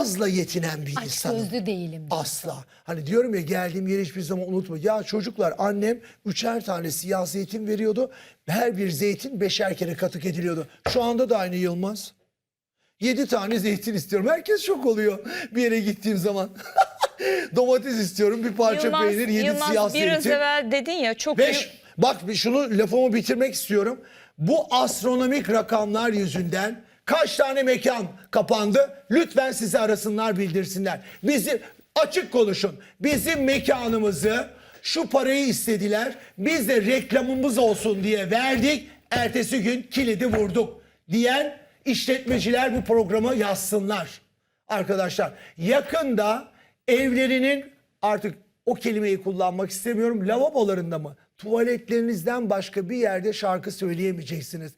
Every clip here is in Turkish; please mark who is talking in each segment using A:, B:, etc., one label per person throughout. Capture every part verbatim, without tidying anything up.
A: azla yetinen bir
B: Aç
A: insanım.
B: gözlü değilim.
A: Asla. Hani diyorum ya, geldiğim yeri hiçbir zaman unutma. Ya çocuklar, annem üçer tane siyah zeytin veriyordu. Her bir zeytin beşer kere katık ediliyordu. Şu anda da aynı Yılmaz. Yedi tane zeytin istiyorum. Herkes şok oluyor bir yere gittiğim zaman. Domates istiyorum, bir parça
C: Yılmaz,
A: peynir, yedi
C: Yılmaz,
A: siyah zeytin.
C: biraz evvel dedin ya çok
A: Beş.
C: büyük-
A: Bak, bir şunu, lafımı bitirmek istiyorum. Bu astronomik rakamlar yüzünden kaç tane mekan kapandı? Lütfen sizi arasınlar, bildirsinler. Bizi açık konuşun. Bizim mekanımızı, şu parayı istediler. Biz de reklamımız olsun diye verdik. Ertesi gün kilidi vurduk diyen işletmeciler bu programı yazsınlar. Arkadaşlar, yakında evlerinin, artık o kelimeyi kullanmak istemiyorum, lavabolarında mı, tuvaletlerinizden başka bir yerde şarkı söyleyemeyeceksiniz.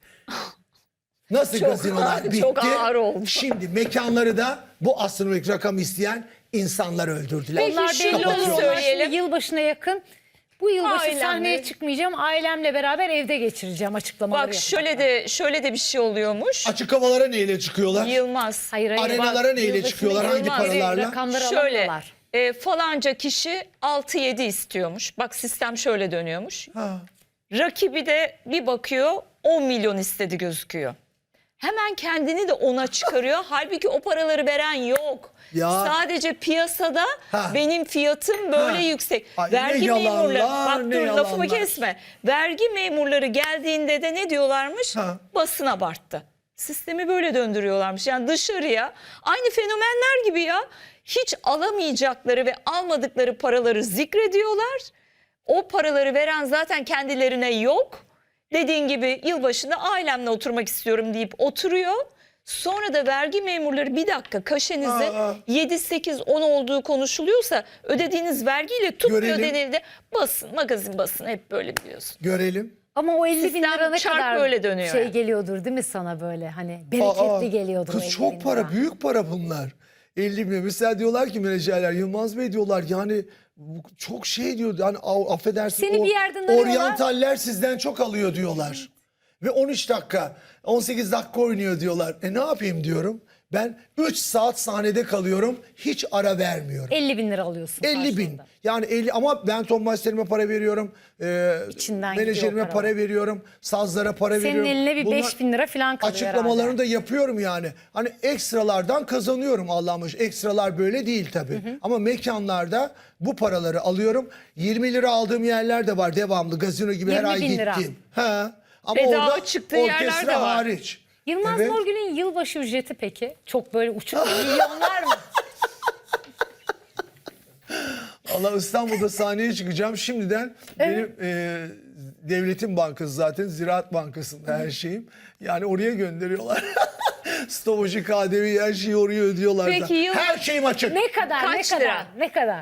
A: Nasıl
C: Çok
A: gazinolar
C: ağır,
A: bitti?
C: çok ağır oldu.
A: Şimdi mekanları da bu astronomik rakam isteyen insanlar öldürdüler.
C: Peki,
B: Onlar
C: şu
B: belli
C: yolu
B: oldu.
C: söyleyelim.
B: Şimdi yılbaşına yakın bu yılbaşı
C: Ailemle.
B: sahneye çıkmayacağım. Ailemle beraber evde geçireceğim açıklamaları
C: Bak
B: yapacaklar.
C: şöyle de şöyle de bir şey oluyormuş.
A: Açık havalara neyle çıkıyorlar?
C: Yılmaz.
B: Hayır, hayır.
A: Arenalara
B: Bak,
A: neyle
B: yılbaşına
A: çıkıyorlar?
B: yakın
A: Hangi
C: Yılmaz,
A: paralarla?
B: Rakamları
C: Şöyle
B: alamıyorlar.
C: e, falanca kişi altı yedi istiyormuş. Bak sistem şöyle dönüyormuş.
A: Ha.
C: Rakibi de bir bakıyor on milyon istedi gözüküyor. Hemen kendini de ona çıkarıyor. Halbuki o paraları veren yok.
A: Ya.
C: Sadece piyasada
A: Ha.
C: benim fiyatım böyle
A: Ha.
C: yüksek.
A: Ay, ne
C: Vergi
A: yalanlar,
C: memurları, bak
A: ne
C: dur lafımı
A: yalanlar.
C: kesme. Vergi memurları geldiğinde de ne diyorlarmış?
A: Ha.
C: Basın abarttı. Sistemi böyle döndürüyorlarmış. Yani dışarıya aynı fenomenler gibi ya. Hiç alamayacakları ve almadıkları paraları zikrediyorlar. O paraları veren zaten kendilerine yok. Dediğin gibi yılbaşında ailemle oturmak istiyorum deyip oturuyor. Sonra da vergi memurları bir dakika kaşenizi
A: Aa.
C: yedi sekiz on olduğu konuşuluyorsa ödediğiniz vergiyle tutmuyor
A: Görelim.
C: denildi. Basın, magazin basın hep böyle biliyorsun.
A: Görelim.
B: Ama o elli bin
C: Sistem
B: lira ne
C: çark
B: kadar
C: böyle dönüyor
B: şey
C: yani.
B: geliyordur değil mi sana böyle hani bereketli
A: Aa,
B: geliyordur. o
A: Kız
B: elli
A: çok
B: bin
A: para,
B: lira.
A: büyük para bunlar. elli bin. Mesela diyorlar ki menajerler, Yılmaz Bey diyorlar, yani bu çok şey diyor, yani a- affedersin,
B: Seni
A: o
B: bir yerden arıyorlar.
A: oryantaller sizden çok alıyor diyorlar. Ve on üç dakika, on sekiz dakika oynuyor diyorlar. E ne yapayım diyorum. Ben üç saat sahnede kalıyorum, hiç ara vermiyorum.
B: elli bin lira alıyorsun.
A: elli bin.
B: karşılığında.
A: Yani elli, ama ben ton masterime para veriyorum. E,
B: İçinden gidiyor
A: menajerime
B: o
A: para,
B: paralar.
A: veriyorum. Sazlara para
B: Senin
A: veriyorum.
B: eline bir
A: Bunlar-
B: beş bin lira falan kalıyor
A: Açıklamalarını
B: herhalde.
A: da yapıyorum yani. Hani ekstralardan kazanıyorum, Allah'ım. Ekstralar böyle değil tabii. Ama mekanlarda bu paraları alıyorum. yirmi lira aldığım yerler de var devamlı. Gazino gibi her
B: yirmi
A: ay
B: bin lira.
A: gittim. Ha. Ama
C: Bedava
A: orada
C: çıktığı yerler
A: orkestra
C: de var.
A: hariç.
B: Yılmaz
A: Evet.
B: Morgül'ün yılbaşı ücreti peki? Çok böyle uçuk milyonlar mı?
A: Allah, İstanbul'da sahneye çıkacağım. Şimdiden benim e, devletin bankası, zaten Ziraat Bankası'nda her şeyim. Yani oraya gönderiyorlar. Stopajı, K D V'yi, her şeyi oraya ödüyorlar.
C: Peki
A: da.
C: yıl-
A: Her şeyim açık.
B: Ne kadar?
C: Kaç
B: ne kadar?
C: lira?
B: Ne kadar?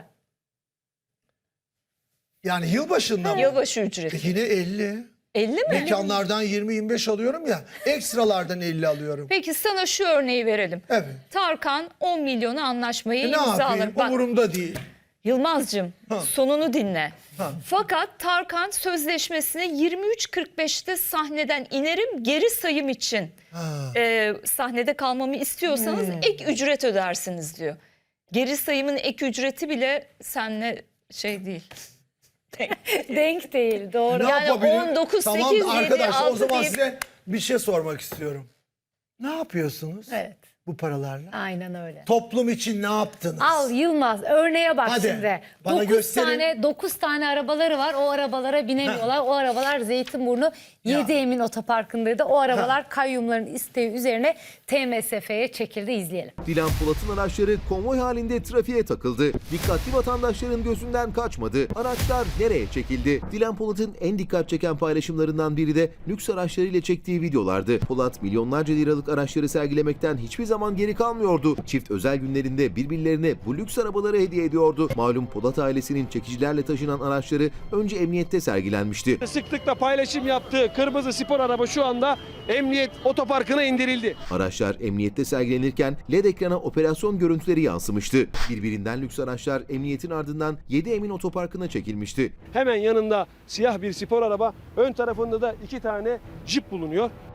A: Yani yılbaşında mı?
C: Yılbaşı ücreti.
A: Yine elli.
C: elli mi?
A: Mekanlardan yirmi yirmi beş alıyorum ya. Ekstralardan elli alıyorum.
C: Peki sana şu örneği verelim.
A: Evet.
C: Tarkan on milyona anlaşmayı
A: E ne
C: imzalar.
A: yapayım?
C: Bak,
A: Umurumda değil.
C: Yılmaz'cığım
A: Ha.
C: sonunu dinle.
A: Ha.
C: Fakat Tarkan sözleşmesine yirmi üç kırk beşte sahneden inerim geri sayım için
A: Ha.
C: e, sahnede kalmamı istiyorsanız ek ücret ödersiniz diyor. Geri sayımın ek ücreti bile seninle şey değil.
B: Denk değil doğru.
A: Ne
C: Yani
A: yapabilirim?
C: on dokuz,
A: Tamam
C: sekiz, yedi,
A: arkadaşlar, o
C: altı
A: zaman
C: deyip-
A: size bir şey sormak istiyorum. Ne yapıyorsunuz
B: Evet.
A: bu paralarla?
B: Aynen öyle.
A: Toplum için ne yaptınız?
B: Al Yılmaz örneğe bak
A: Hadi,
B: şimdi.
A: bana
B: dokuz
A: gösterin.
B: tane dokuz tane arabaları var. O arabalara binemiyorlar. O arabalar Zeytinburnu yedi Emin Otoparkı'ndaydı. O arabalar kayyumların isteği üzerine T M S F'ye çekildi. İzleyelim.
D: Dilan Polat'ın araçları konvoy halinde trafiğe takıldı. Dikkatli vatandaşların gözünden kaçmadı. Araçlar nereye çekildi? Dilan Polat'ın en dikkat çeken paylaşımlarından biri de lüks araçlarıyla çektiği videolardı. Polat milyonlarca liralık araçları sergilemekten hiçbir zaman geri kalmıyordu. Çift özel günlerinde birbirlerine bu lüks arabaları hediye ediyordu. Malum Polat ailesinin çekicilerle taşınan araçları önce emniyette sergilenmişti.
E: Sıklıkla paylaşım yaptığı kırmızı spor araba şu anda Emniyet Otoparkı'na indirildi.
D: Araçlar emniyette sergilenirken L E D ekrana operasyon görüntüleri yansımıştı. Birbirinden lüks araçlar emniyetin ardından yedi Emin Otoparkı'na çekilmişti.
E: Hemen yanında siyah bir spor araba, ön tarafında da iki tane Jeep bulunuyor.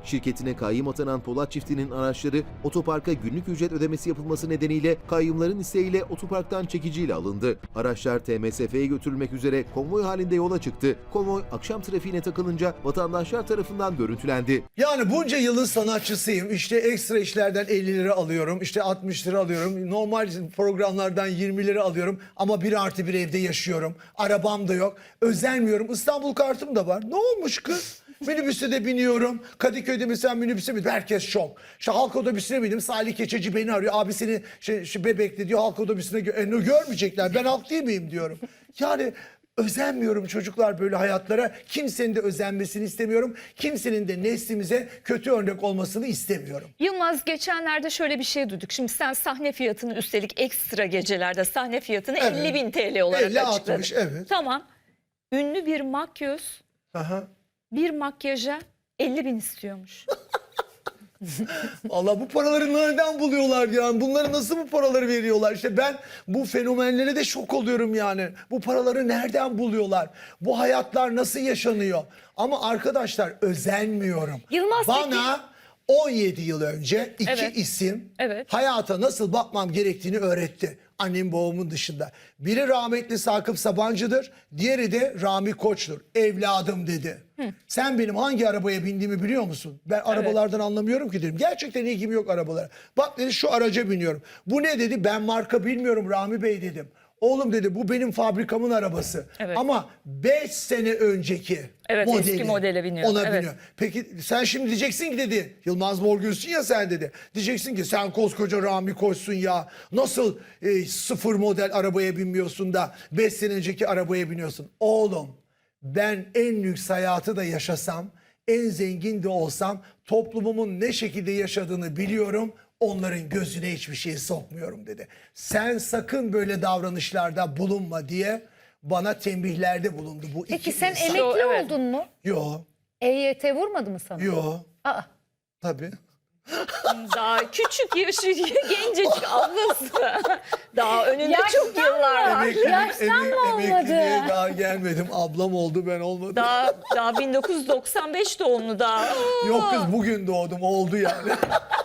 D: Şirketine kayyum atanan Polat çiftinin araçları otoparka günlük ücret ödemesi yapılması nedeniyle kayyumların isteğiyle otoparktan çekiciyle alındı. Araçlar T M S F'ye götürülmek üzere konvoy halinde yola çıktı. Konvoy akşam trafiğine takılınca vatandaşlar tarafından görüntülendi.
A: Yani bunca yılın sanatçısıyım. İşte ekstra işlerden elli lira alıyorum. İşte altmış lira alıyorum. Normal programlardan yirmi lira alıyorum. Ama bir artı bir evde yaşıyorum. Arabam da yok. Özenmiyorum. İstanbul kartım da var. Ne olmuş kız? Minibüse de biniyorum. Kadıköy'de mesela minibüse bindim. Herkes şok. İşte halk otobüsüne bindim. Salih Keçeci beni arıyor. Abi seni şey, şey Bebek'te diyor halk otobüsüne gö e, görmeyecekler. Ben halk değil miyim diyorum. Yani özenmiyorum çocuklar böyle hayatlara. Kimsenin de özenmesini istemiyorum. Kimsenin de neslimize kötü örnek olmasını istemiyorum.
C: Yılmaz, geçenlerde şöyle bir şey duyduk. Şimdi sen sahne fiyatını, üstelik ekstra gecelerde sahne fiyatını
A: Evet.
C: elli bin T L olarak
A: elli
C: açıkladın.
A: altmış, evet.
C: Tamam. Ünlü bir makyöz
A: Aha.
C: bir makyaja elli bin istiyormuş.
A: Allah bu paraları nereden buluyorlar ya? Bunları nasıl bu paraları veriyorlar? İşte ben bu fenomenlere de şok oluyorum yani. Bu paraları nereden buluyorlar? Bu hayatlar nasıl yaşanıyor? Ama arkadaşlar özenmiyorum.
B: Yılmaz
A: Bana on yedi yıl önce iki
C: Evet.
A: isim
C: Evet.
A: hayata nasıl bakmam gerektiğini öğretti. Annem babamın dışında. Biri rahmetli Sakıp Sabancı'dır. Diğeri de Rami Koç'tur. Evladım dedi. Sen benim hangi arabaya bindiğimi biliyor musun? Ben arabalardan anlamıyorum ki dedim. Gerçekten ilgim yok arabalara. Bak dedi şu araca biniyorum. Bu ne dedi? Ben marka bilmiyorum Rami Bey dedim. Oğlum dedi bu benim fabrikamın arabası.
C: Evet.
A: Ama beş sene önceki
C: Evet,
A: modeli.
C: eski modele biniyor.
A: Ona
C: Evet.
A: biniyor. Peki sen şimdi diyeceksin ki dedi. Yılmaz Morgül'sün ya sen dedi. Diyeceksin ki sen koskoca Rami Koç'sun ya. Nasıl e, sıfır model arabaya binmiyorsun da beş sene önceki arabaya biniyorsun. Oğlum ben en lüks hayatı da yaşasam, en zengin de olsam toplumumun ne şekilde yaşadığını biliyorum. Onların gözüne hiçbir şey sokmuyorum dedi. Sen sakın böyle davranışlarda bulunma diye bana tembihlerde bulundu bu
B: Peki
A: iki
B: sen
A: insan.
B: emekli
C: Evet.
B: oldun mu?
A: Yo,
B: E Y T vurmadı mı sana?
A: yo.
B: Aa,
A: Tabii.
C: Daha küçük yaşı, gencecik ablası. Daha önünde
B: Yaştan
C: çok yıllar var.
A: Emeklilik-
B: Yaştan
A: emek-
B: mı olmadı?
A: emekliliğe daha gelmedim. Ablam oldu ben olmadım.
C: Daha, daha bin dokuz yüz doksan beş doğumlu daha.
A: Yok kız bugün doğdum oldu yani.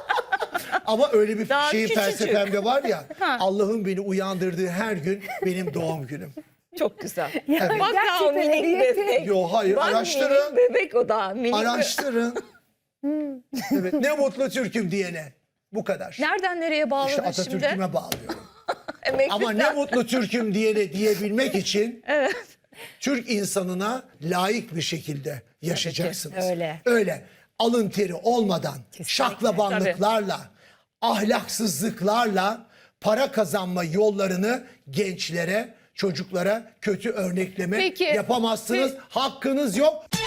A: Ama öyle bir
C: Daha
A: şey
C: küçücük.
A: felsefemde var ya. Allah'ın beni uyandırdığı her gün benim doğum günüm.
C: Çok güzel.
B: Yani
C: Bak daha o
B: gerçekten
C: minik
B: ehliyeti-
C: bebek.
A: Yo hayır
C: Bak
A: araştırın.
C: minik bebek o da. Minik bebek.
A: Araştırın. Evet, ne mutlu Türk'üm diyene. Bu kadar.
C: Nereden nereye bağladın
A: İşte
C: şimdi?
A: Atatürk'üme bağlıyorum.
C: Emeklilikten.
A: Ama ne mutlu Türk'üm diyene diyebilmek için
C: Evet.
A: Türk insanına layık bir şekilde yaşayacaksınız.
B: öyle.
A: Öyle. Alın teri olmadan, şaklabanlıklarla, ahlaksızlıklarla para kazanma yollarını gençlere, çocuklara kötü örnekleme
C: Peki.
A: yapamazsınız. Hakkınız yok.